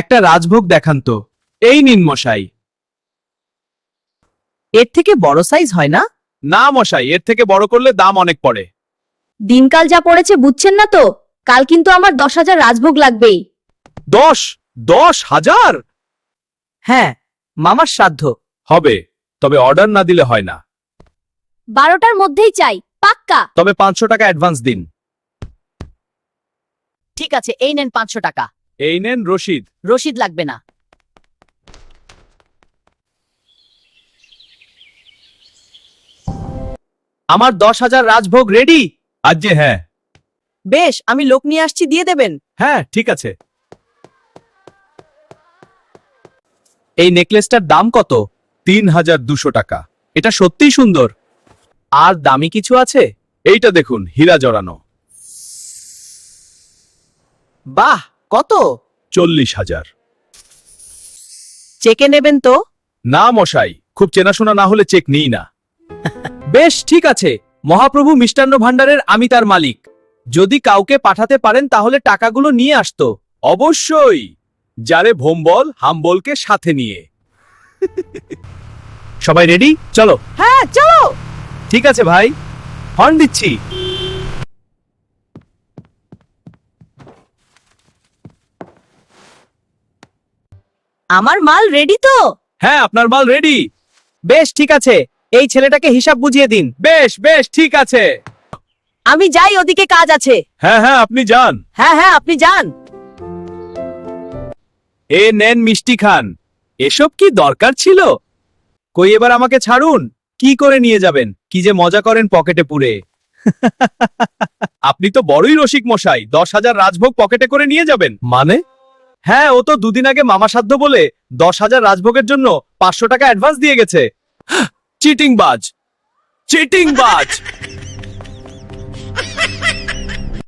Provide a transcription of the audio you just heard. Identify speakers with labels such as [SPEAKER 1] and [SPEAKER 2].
[SPEAKER 1] একটা রাজভোগ দেখান তো। এই নিন মশাই।
[SPEAKER 2] এর থেকে বড় সাইজ হয় না?
[SPEAKER 1] না মশাই, এর থেকে বড় করলে দাম অনেক পড়ে।
[SPEAKER 3] দিনকাল যা পড়েছে বুঝছেন না তো? কাল কিন্তু আমার 10,000 রাজভোগ লাগবেই।
[SPEAKER 1] 10,000?
[SPEAKER 2] হ্যাঁ, মামার শ্রাদ্ধ।
[SPEAKER 1] হবে, তবে অর্ডার না দিলে হয় না।
[SPEAKER 3] 12টার মধ্যেই চাই, পাক্কা।
[SPEAKER 1] তবে 500 টাকা অ্যাডভান্স দিন।
[SPEAKER 2] ঠিক আছে, এই নেন 500 টাকা।
[SPEAKER 1] এই নেন রশিদ।
[SPEAKER 2] রসিদ লাগবে না।
[SPEAKER 1] আমার 10,000 রাজভোগ রেডি। আজ যে হ্যাঁ।
[SPEAKER 2] বেশ, আমি লোক নিয়ে আসছি, দিয়ে দেবেন।
[SPEAKER 1] হ্যাঁ ঠিক আছে। এই নেকলেসটার দাম কত? 3,200 টাকা। এটা সত্যিই সুন্দর। আর দামি কিছু আছে? এইটা দেখুন, হীরা জড়ানো।
[SPEAKER 2] বাহ, কত?
[SPEAKER 1] 40,000।
[SPEAKER 2] চেকে নেবেন তো?
[SPEAKER 1] না মশাই, খুব চেনাশোনা না হলে চেক নিই না। বেশ ঠিক আছে, মহাপ্রভু মিষ্টান্ন ভাণ্ডারের আমি তার মালিক। যদি কাউকে পাঠাতে পারেন তাহলে টাকাগুলো নিয়ে আসতো। অবশ্যই, যারে ভোম্বল হাম্বলকে সাথে নিয়ে। সবাই রেডি? চলো।
[SPEAKER 2] হ্যাঁ, চলো।
[SPEAKER 1] ঠিক আছে ভাই, হর্ন দিচ্ছি।
[SPEAKER 2] আমার মাল রেডি তো?
[SPEAKER 1] হ্যাঁ, আপনার মাল রেডি।
[SPEAKER 2] বেশ ঠিক আছে, এই ছেলেটাকে হিসাব বুঝিয়ে দিন।
[SPEAKER 1] বেশ বেশ ঠিক আছে।
[SPEAKER 2] আমি যাই, ওদিকে কাজ আছে।
[SPEAKER 1] হ্যাঁ হ্যাঁ, আপনি যান।
[SPEAKER 2] হ্যাঁ হ্যাঁ, আপনি যান।
[SPEAKER 1] এ নেন মিষ্টি খান। এসব কি দরকার ছিল? কই এবার আমাকে ছাড়ুন। কি করে নিয়ে যাবেন? কি যে মজা করেন পকেটে পুরে। আপনি তো বড়ই রসিক মশাই, 10,000 রাজভোগ পকেটে করে নিয়ে যাবেন মানে? হ্যাঁ, ও তো দুদিন আগে মামা সাধ্য বলে 10,000 রাজভোগের জন্য 500 টাকা অ্যাডভান্স দিয়ে গেছে। চিটিং বাজ, চিটিং বাজ।